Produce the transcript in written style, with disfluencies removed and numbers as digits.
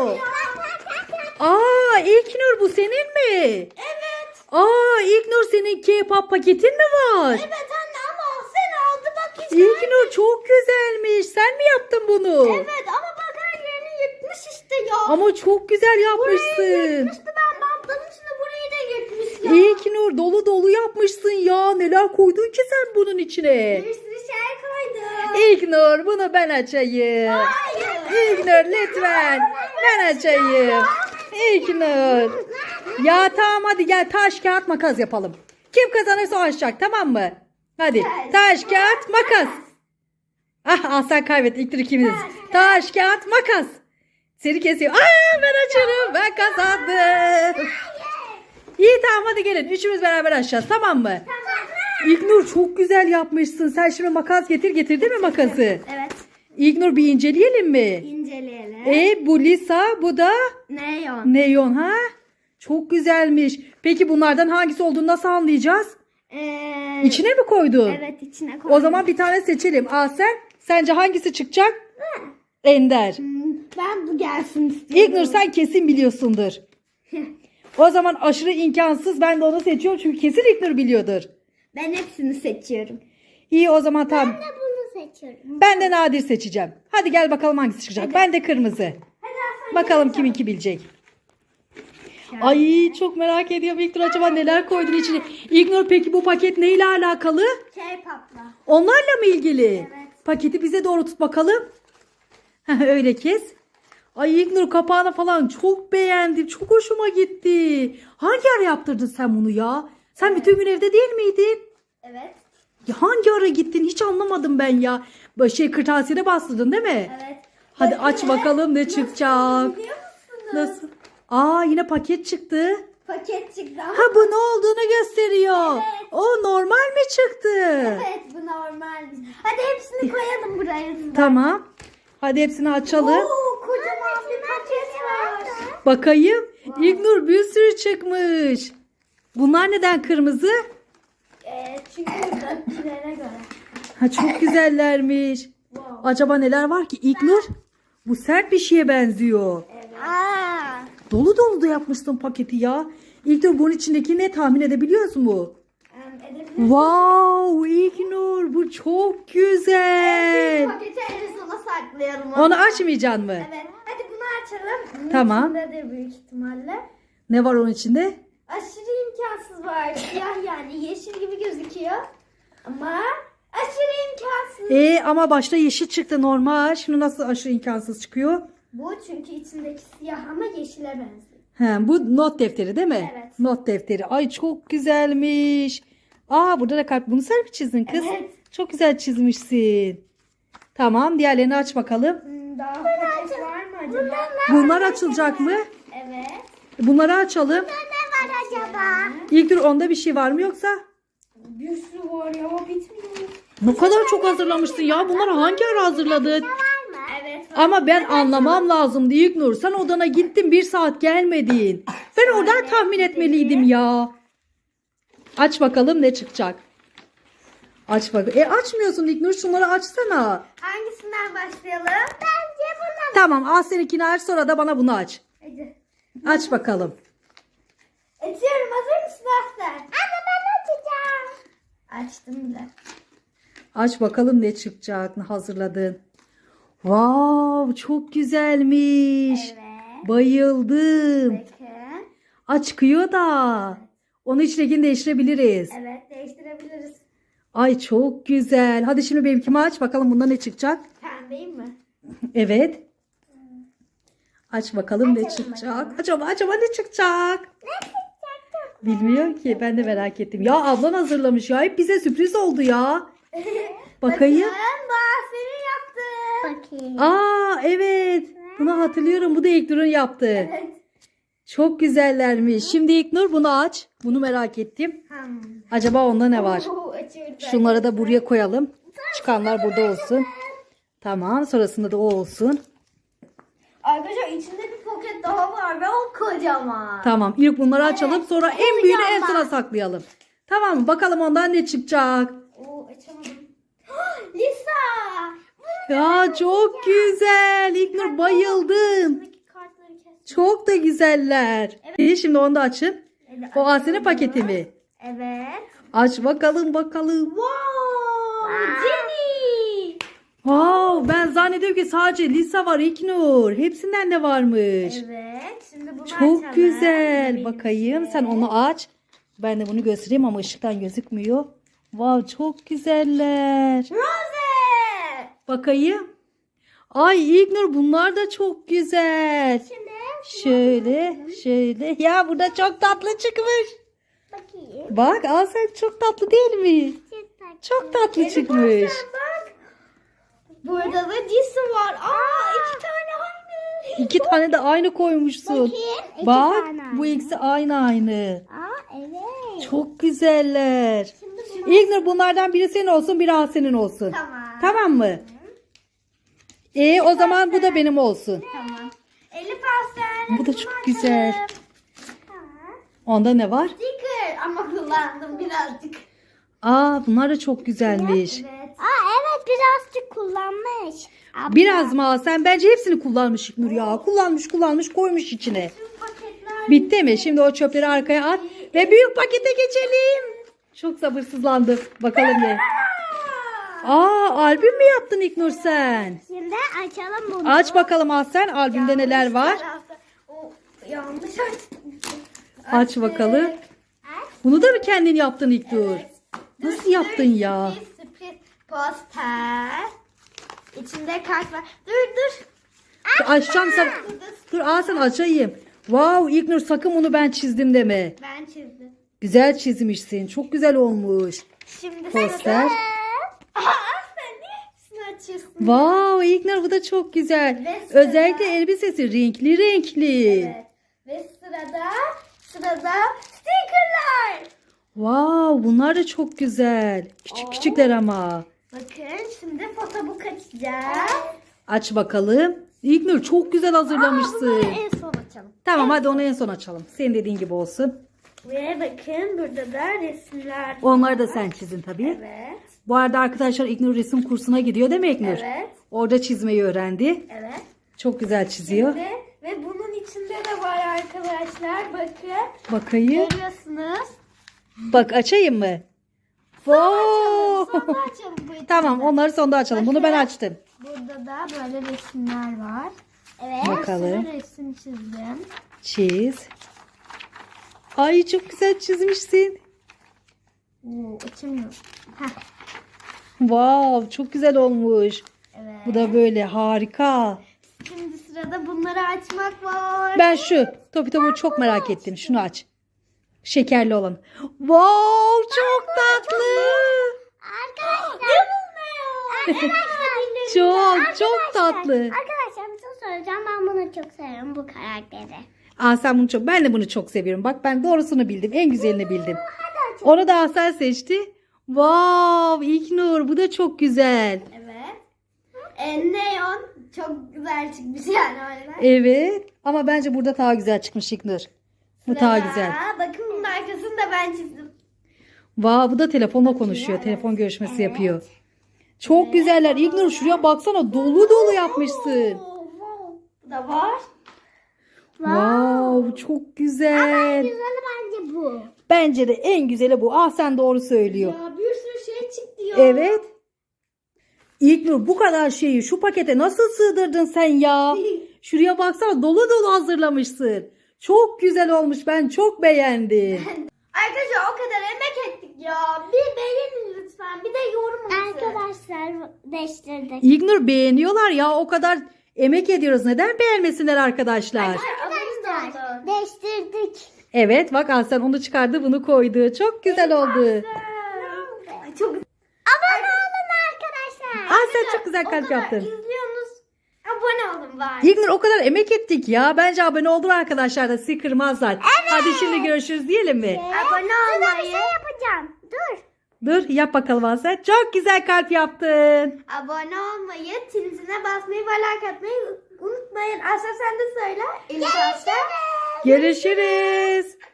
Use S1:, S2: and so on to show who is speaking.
S1: Aa, İlknur bu senin mi?
S2: Evet.
S1: Aa, İlknur senin K-pop paketin mi var?
S2: Evet anne ama sen aldı bak işte.
S1: İlknur çok güzelmiş. Sen mi yaptın bunu?
S2: Evet ama bak her yerini yırtmış işte ya.
S1: Ama çok güzel
S2: Burayı
S1: yapmışsın.
S2: yırtmıştı, ben bantladım, şimdi burayı da yırtmış ya.
S1: İlknur dolu dolu yapmışsın ya. Neler koydun ki sen bunun içine?
S2: Bir sürü şey koydum.
S1: İlknur bunu ben açayım.
S2: Hayır.
S1: İlknur lütfen. Ben açayım. İlknur. Ya tamam hadi gel taş kağıt makas yapalım. Kim kazanırsa o açacak, tamam mı? Hadi taş kağıt makas. Ah sen kaybettin İlknur, ikimiz. Taş kağıt makas. Seni kesiyor. Aa ben açarım, ben kazandım. İyi tamam hadi gelin üçümüz beraber açacağız, tamam mı? İlknur çok güzel yapmışsın. Sen şimdi makas getirdin mi makası?
S2: Evet.
S1: İlknur bir inceleyelim mi?
S2: İnceleyelim.
S1: Bu Lisa, bu da
S2: Neon.
S1: Neon ha? Çok güzelmiş. Peki bunlardan hangisi olduğunu nasıl anlayacağız? İçine mi koydun?
S2: Evet içine koydum.
S1: O zaman bir tane seçelim. Sence hangisi çıkacak? Ender.
S2: Ben bu gelsin istiyorum.
S1: İlknur sen kesin biliyorsundur. O zaman aşırı imkansız, ben de onu seçiyorum çünkü kesin İlknur biliyordur.
S2: Ben hepsini seçiyorum.
S1: İyi o zaman tamam.
S2: Ben de bunu seçiyorum.
S1: Ben de nadir seçeceğim. Hadi gel bakalım hangisi çıkacak.
S2: Hadi.
S1: Ben de kırmızı.
S2: Hadi Hasan,
S1: Bakalım kiminki bilecek. Ay çok merak ediyorum İlknur, acaba neler koydun içine. İlknur peki bu paket neyle alakalı?
S2: K-pop'la.
S1: Onlarla mı ilgili?
S2: Evet.
S1: Paketi bize doğru tut bakalım. Öyle kes. Ay İlknur kapağını falan çok beğendim. Çok hoşuma gitti. Hangi ara yaptırdın sen bunu ya? Sen bütün gün evde değil miydin?
S2: Evet.
S1: Ya hangi ara gittin? Hiç anlamadım ben ya. Kırtasiyede bastırdın değil mi?
S2: Evet.
S1: Hadi aç bakalım ne çıkacak.
S2: Biliyor musunuz?
S1: Nasıl? Aa yine paket çıktı.
S2: Paket çıktı ama.
S1: Ha bu ne olduğunu gösteriyor.
S2: Evet.
S1: O normal mi çıktı?
S2: Evet bu normal. Hadi hepsini koyalım buraya.
S1: Tamam. Hadi hepsini açalım.
S2: Oo, kocaman bir paket var.
S1: Bakayım. İlknur bir sürü çıkmış. Bunlar neden kırmızı?
S2: Çünkü buradakilere göre.
S1: Ha çok güzellermiş.
S2: Wow.
S1: Acaba neler var ki İlknur? Bu sert bir şeye benziyor.
S2: Evet.
S1: Dolu dolu da yapmışsın paketi ya. İlknur bunun içindeki ne, tahmin edebiliyorsun mu?
S2: Edebilirsin.
S1: Wow İlknur bu çok güzel.
S2: Paketi en sona saklayalım.
S1: Onu açmayacaksın mı?
S2: Evet. Hadi bunu açalım. Bunun
S1: Tamam.
S2: içindedir büyük ihtimalle.
S1: Ne var onun içinde?
S2: Aşırı imkansız var. Siyah yani yeşil gibi gözüküyor. Ama aşırı imkansız.
S1: Ama başta yeşil çıktı normal. Şimdi nasıl aşırı imkansız çıkıyor?
S2: Bu çünkü içindeki siyah ama yeşile benziyor.
S1: He, bu not defteri değil mi?
S2: Evet.
S1: Not defteri. Ay çok güzelmiş. Aa burada da kalp. Bunu sen mi çizdin kız?
S2: Evet.
S1: Çok güzel çizmişsin. Tamam diğerlerini aç bakalım.
S2: Daha paket var mı acaba?
S1: Bunlar açılacak mı?
S2: Evet.
S1: Bunları açalım.
S2: Ne var acaba?
S1: İlknur onda bir şey var mı yoksa?
S2: Bir sürü var ya bitmiyor.
S1: Ne kadar çok hazırlamışsın ya. Bunları hangi ara hazırladın?
S2: Var mı? Evet.
S1: Ama ben anlamam lazımdı İlknur. Sen odana gittin 1 saat gelmedin. Ben oradan tahmin etmeliydim ya. Aç bakalım ne çıkacak. Aç bak. Açmıyorsun İlknur, şunları açsana.
S2: Hangisinden başlayalım? Bence buna.
S1: Tamam al seninkini aç, sonra da bana bunu aç.
S2: Hadi.
S1: Aç bakalım.
S2: Açıyorum. Hazır mısın Aslan? Anne ben açacağım. Açtım bile.
S1: Aç bakalım ne çıkacak, ne hazırladın. Wow çok güzelmiş.
S2: Evet.
S1: Bayıldım.
S2: Bakın.
S1: Çıkıyor da. Onun içindekini değiştirebiliriz.
S2: Evet değiştirebiliriz.
S1: Ay çok güzel. Hadi şimdi benimkimi aç bakalım bunda ne çıkacak.
S2: Pembeyim mi?
S1: Evet. Aç bakalım ne
S2: Açalım
S1: çıkacak.
S2: bakalım.
S1: Acaba ne çıkacak?
S2: Ne çıkacak?
S1: Bilmiyorum ki. Ben de merak ettim. Ya ablan hazırlamış ya. Hep bize sürpriz oldu ya. Bakayım.
S2: Bakın senin yaptın. Bakayım.
S1: Evet. Bunu hatırlıyorum. Bu da İlknur'un yaptığı.
S2: Evet.
S1: Çok güzellermiş. Şimdi İlknur bunu aç. Bunu merak ettim. Acaba onda ne var?
S2: Açıyorum.
S1: Şunları da buraya koyalım. Çıkanlar burada olsun. Tamam. Sonrasında da o olsun.
S2: Arkadaşlar içinde bir poket daha var ve o kocaman.
S1: Tamam. İlk bunları açalım. Sonra en büyüğünü en
S2: Kocaman.
S1: sona saklayalım. Tamam mı? Bakalım ondan ne çıkacak.
S2: Açamadım. Lisa.
S1: Ya çok güzel. İlknur bayıldım.
S2: Buradaki kartları
S1: Çok da güzeller. İyi, şimdi onu da açın. O Asen'in paketi mi?
S2: Evet.
S1: Aç bakalım bakalım.
S2: Wow! Jenny!
S1: Wow, ben zannediyorum ki sadece Lisa var İlknur. Hepsinden de varmış.
S2: Evet. Şimdi bunu
S1: Çok
S2: açalım.
S1: güzel.
S2: Benim
S1: Bakayım
S2: size.
S1: sen onu aç. Ben de bunu göstereyim ama ışıktan gözükmüyor. Wow, çok güzeller.
S2: Rose!
S1: Bakayım. Ay İlknur, bunlar da çok güzel.
S2: Şimdi
S1: Şöyle. Ya burada çok tatlı çıkmış.
S2: bakayım.
S1: Bak al sen, çok tatlı değil mi? Çok tatlı çıkmış.
S2: Bak. Burada da Jason var. İki tane aynı.
S1: 2 tane de aynı koymuşsun.
S2: Bakayım, iki
S1: Bak
S2: tane
S1: bu
S2: aynı.
S1: ikisi aynı.
S2: Evet.
S1: Çok güzeller.
S2: Şimdi bunu...
S1: İlknur, bunlardan biri senin olsun, biri Asen'in olsun.
S2: Tamam.
S1: Tamam mı? O zaman bu da benim olsun.
S2: Tamam. Elif Aslan.
S1: Bu da çok güzel. Onda ne var?
S2: Sticker ama kullandım birazcık.
S1: Bunlar da çok güzelmiş.
S2: Evet. Evet birazcık kullanmış.
S1: Biraz mı Asen? Bence hepsini kullanmış İlknur ya. Kullanmış koymuş içine.
S2: Tüm paketler.
S1: Bitti mi? Şimdi o çöpleri arkaya at ve büyük pakete geçelim. Çok sabırsızlandım. Bakalım ne? Albüm mü yaptın İlknur sen?
S2: Şimdi açalım bunu.
S1: Aç bakalım Asen, albümde neler var?
S2: Yanlış açtım.
S1: Aç bakalım. Bunu da mı kendin yaptın İlknur? Nasıl yaptın ya?
S2: Sürpriz poster. İçinde kart var. Dur.
S1: Açacağım sen. Dur Asen, açayım. Wow İlknur, sakın bunu ben çizdim deme.
S2: Ben çizdim.
S1: Güzel çizmişsin. Çok güzel olmuş.
S2: Şimdi
S1: Poster.
S2: Sen niye hepsini açıyorsun?
S1: Wow İlknur, bu da çok güzel.
S2: Ve sıra-
S1: Özellikle elbisesi renkli.
S2: Evet. Ve sırada stickerlar.
S1: Wow, bunlar da çok güzel. Küçükler ama.
S2: Bakın şimdi fotobook açacağım.
S1: Aç bakalım. İlknur, çok güzel hazırlamışsın.
S2: Bunları en son açalım.
S1: Tamam, hadi onu en son açalım. Senin dediğin gibi olsun.
S2: Ve bakın burada da resimler.
S1: Onları da sen çizin tabii.
S2: Evet.
S1: Bu arada arkadaşlar, İlknur resim kursuna gidiyor değil mi İlknur?
S2: Evet.
S1: Orada çizmeyi öğrendi.
S2: Evet.
S1: Çok güzel çiziyor.
S2: Ve bunun içinde de var arkadaşlar. Bakın.
S1: Bakayım.
S2: Görüyorsunuz.
S1: Bak, açayım mı? Wow.
S2: Sonra açalım bu içinde.
S1: Tamam, onları sonda açalım. Bunu ben açtım.
S2: Burada da böyle resimler var. Evet.
S1: Bakalım.
S2: Bir sürü resim çizdim.
S1: Çiz. Ay, çok güzel çizmişsin.
S2: Açılmıyor.
S1: Wow, çok güzel olmuş.
S2: Evet.
S1: Bu da böyle harika.
S2: Şimdi sırada bunları açmak var.
S1: Ben şu topu çok merak ettim. Şunu aç. Şekerli olan. Wow, çok tatlı.
S2: Arkadaşlar.
S1: Çok tatlı.
S2: Arkadaşlar bir şey söyleyeceğim. Ben bunu çok seviyorum, bu karakteri.
S1: Sen bunu çok, ben de bunu çok seviyorum. Bak, ben doğrusunu bildim. En güzelini bildim. Onu da Asel seçti. Wow, İlknur, bu da çok güzel.
S2: Evet. Neon çok güzel çıkmış yani öyle.
S1: Evet. Ama bence burada daha güzel çıkmış İlknur. Bu daha güzel.
S2: Bakın bunun arkasını da ben çizdim.
S1: Wow, bu da telefonla konuşuyor.
S2: Evet.
S1: Telefon görüşmesi yapıyor. Çok güzeller. İlknur, şuraya baksana, dolu yapmışsın.
S2: Bu da var.
S1: Wow, çok güzel.
S2: Güzeli bence bu.
S1: Bence de en güzeli bu. Sen doğru söylüyor.
S2: Ya bir sürü şey çıktı ya.
S1: Evet. İlknur, bu kadar şeyi şu pakete nasıl sığdırdın sen ya? Şuraya baksana, dolu hazırlamışsın. Çok güzel olmuş. Ben çok beğendim.
S2: Arkadaşlar o kadar emek ettik ya. Bir beğenin lütfen. Bir de yorum atın. Arkadaşlar değiştirdik.
S1: İlknur, beğeniyorlar ya. O kadar emek ediyoruz. Neden beğenmesinler arkadaşlar?
S2: Arkadaşlar değiştirdik.
S1: Evet, bak Aslen onu çıkardı, bunu koydu. Çok güzel oldu.
S2: Çok abone olun arkadaşlar.
S1: Aslen çok güzel kalp yaptın.
S2: İzliyorsunuz. Abone olun bari.
S1: İlknur, o kadar emek ettik ya. Bence abone olur arkadaşlar da sizi kırmazlar. Hadi şimdi görüşürüz diyelim mi?
S2: Abone olmayı. Bir şey yapacağım.
S1: Dur, yap bakalım Aslen. Çok güzel kalp yaptın.
S2: Abone olmayı, ziline basmayı ve like atmayı unutmayın. Asla sen de söyle. Görüşürüz.
S1: Görüşürüz.